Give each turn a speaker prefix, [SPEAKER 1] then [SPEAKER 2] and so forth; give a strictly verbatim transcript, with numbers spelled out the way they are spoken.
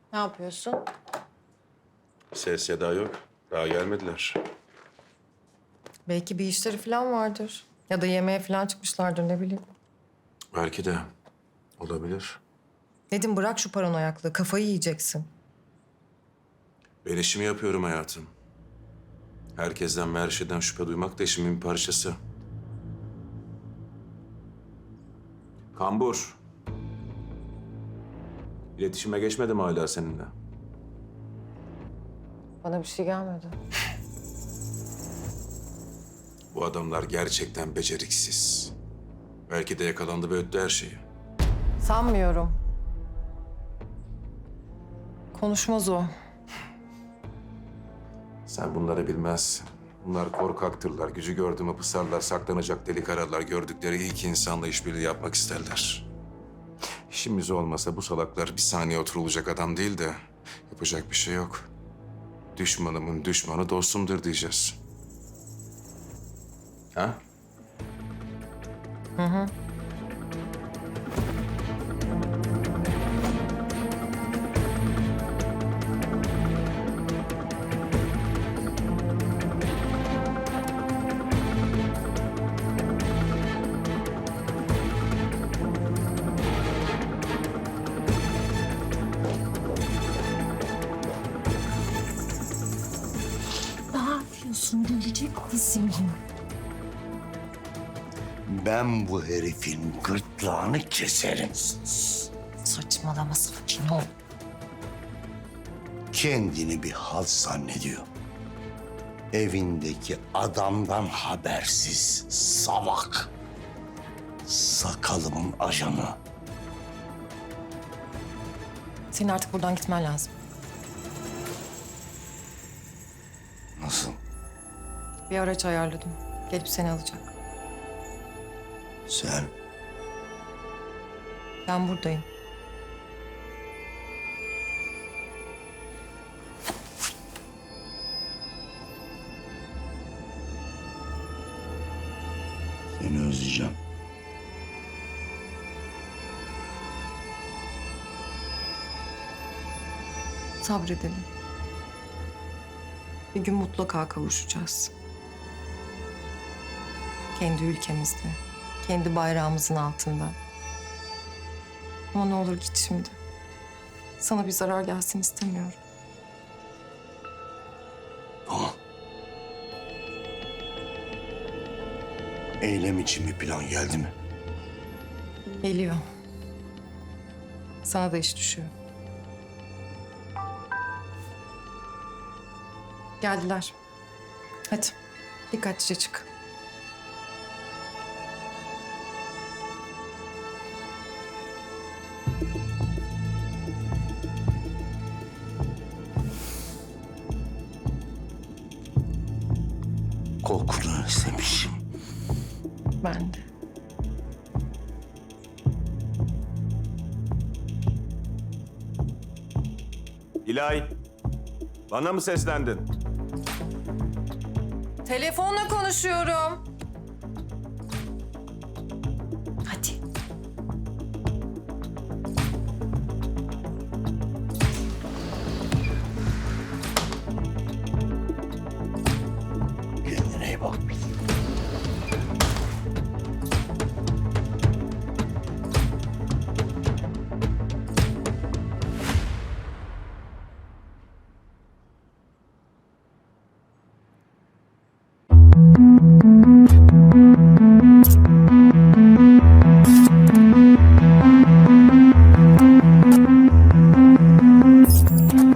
[SPEAKER 1] Ne yapıyorsun?
[SPEAKER 2] Ses seda yok. Daha gelmediler.
[SPEAKER 1] Belki bir işleri falan vardır. Ya da yemeğe falan çıkmışlardır, ne bileyim.
[SPEAKER 2] Belki de olabilir.
[SPEAKER 1] Nedim, bırak şu paranoyaklığı. Kafayı yiyeceksin.
[SPEAKER 2] Ben işimi yapıyorum hayatım. Herkesten ve her şeyden şüphe duymak da işimin bir parçası. Kambur. İletişime geçmedim hala seninle.
[SPEAKER 1] Bana bir şey gelmedi.
[SPEAKER 2] Bu adamlar gerçekten beceriksiz. Belki de yakalandı ve öttü her şeyi.
[SPEAKER 1] Sanmıyorum. Konuşmaz o.
[SPEAKER 2] Sen bunları bilmezsin. Bunlar korkaktırlar. Gücü gördü mü pısarlar, saklanacak delik ararlar. Gördükleri ilk insanla işbirliği yapmak isterler. İşimiz olmasa bu salaklar bir saniye oturulacak adam değil de yapacak bir şey yok. Düşmanımın düşmanı dostumdur diyeceğiz. Ha?
[SPEAKER 1] Hı hı.
[SPEAKER 3] Ne yapıyorsun? Gelecek misin?
[SPEAKER 4] Ben bu herifin gırtlağını keserim.
[SPEAKER 3] Saçmalama, sakin ol.
[SPEAKER 4] Kendini bir halt zannediyor. Evindeki adamdan habersiz salak. Sakalımın ajanı.
[SPEAKER 1] Senin artık buradan gitmen lazım.
[SPEAKER 4] Nasıl?
[SPEAKER 1] Bir araç ayarladım. Gelip seni alacak.
[SPEAKER 4] Sen
[SPEAKER 1] Ben buradayım.
[SPEAKER 4] seni özleyeceğim.
[SPEAKER 1] Sabredelim. Bir gün mutlaka kavuşacağız. Kendi ülkemizde, kendi bayrağımızın altında. Ama ne olur git şimdi. Sana bir zarar gelsin istemiyorum.
[SPEAKER 4] Tamam. Eylem için bir plan geldi mi?
[SPEAKER 1] Geliyor. Sana da iş düşüyor. Geldiler. Hadi dikkatlice çık.
[SPEAKER 4] Kokunu özlemişim.
[SPEAKER 1] Ben de.
[SPEAKER 2] İlay, bana mı seslendin?
[SPEAKER 1] Telefonla konuşuyorum.